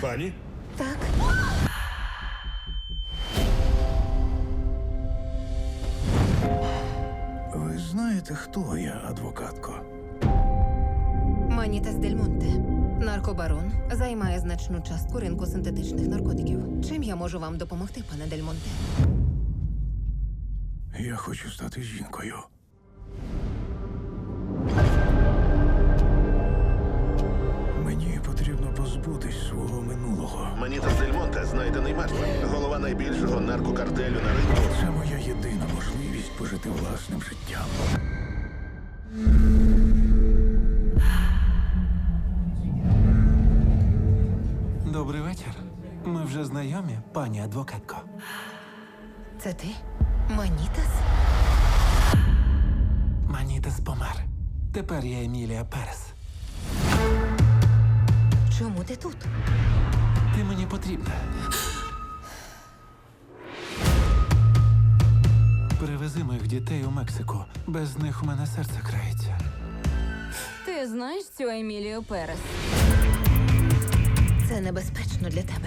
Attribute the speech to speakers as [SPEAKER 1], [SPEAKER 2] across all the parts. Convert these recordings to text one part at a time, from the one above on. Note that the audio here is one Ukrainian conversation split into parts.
[SPEAKER 1] Пані?
[SPEAKER 2] Так.
[SPEAKER 3] Ви знаєте, хто я, адвокатко?
[SPEAKER 2] Манітас Дель Монте. Наркобарон займає значну частку ринку синтетичних наркотиків. Чим я можу вам допомогти, пане Дель Монте?
[SPEAKER 3] Я хочу стати жінкою. Мені потрібно позбутись свого минулого.
[SPEAKER 4] Манітас Дель Монте знайдений мертвим. Голова найбільшого наркокартелю на ринку.
[SPEAKER 3] Це моя єдина можливість пожити власним життям.
[SPEAKER 5] Добрий вечір. Ми вже знайомі, пані адвокатко.
[SPEAKER 2] Це ти? Манітас?
[SPEAKER 5] Манітас помер. Тепер я Емілія Перес.
[SPEAKER 2] Чому ти тут?
[SPEAKER 5] Ти мені потрібна. Привези моїх дітей у Мексику. Без них у мене серце крається.
[SPEAKER 6] Ти знаєш цю Емілію Перес?
[SPEAKER 2] Це небезпечно для тебе.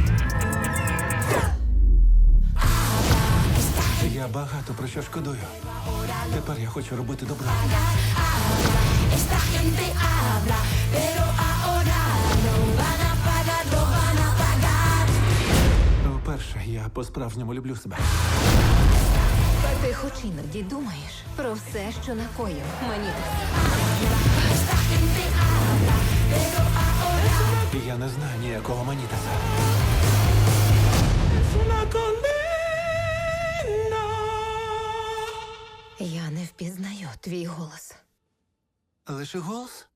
[SPEAKER 5] Я багато про що шкодую. Тепер я хочу робити добро.
[SPEAKER 7] Esta gente habla, pero ahora no van a pagar, no van a pagar.
[SPEAKER 5] Вперше я по-справжньому люблю себе.
[SPEAKER 2] Ти хоч іноді думаєш про все, що накоїв Манітас.
[SPEAKER 7] Esta gente habla, pero ahora
[SPEAKER 5] Я не знаю ніякого Манітаса.
[SPEAKER 2] Я не впізнаю твій голос.
[SPEAKER 5] Лише голос?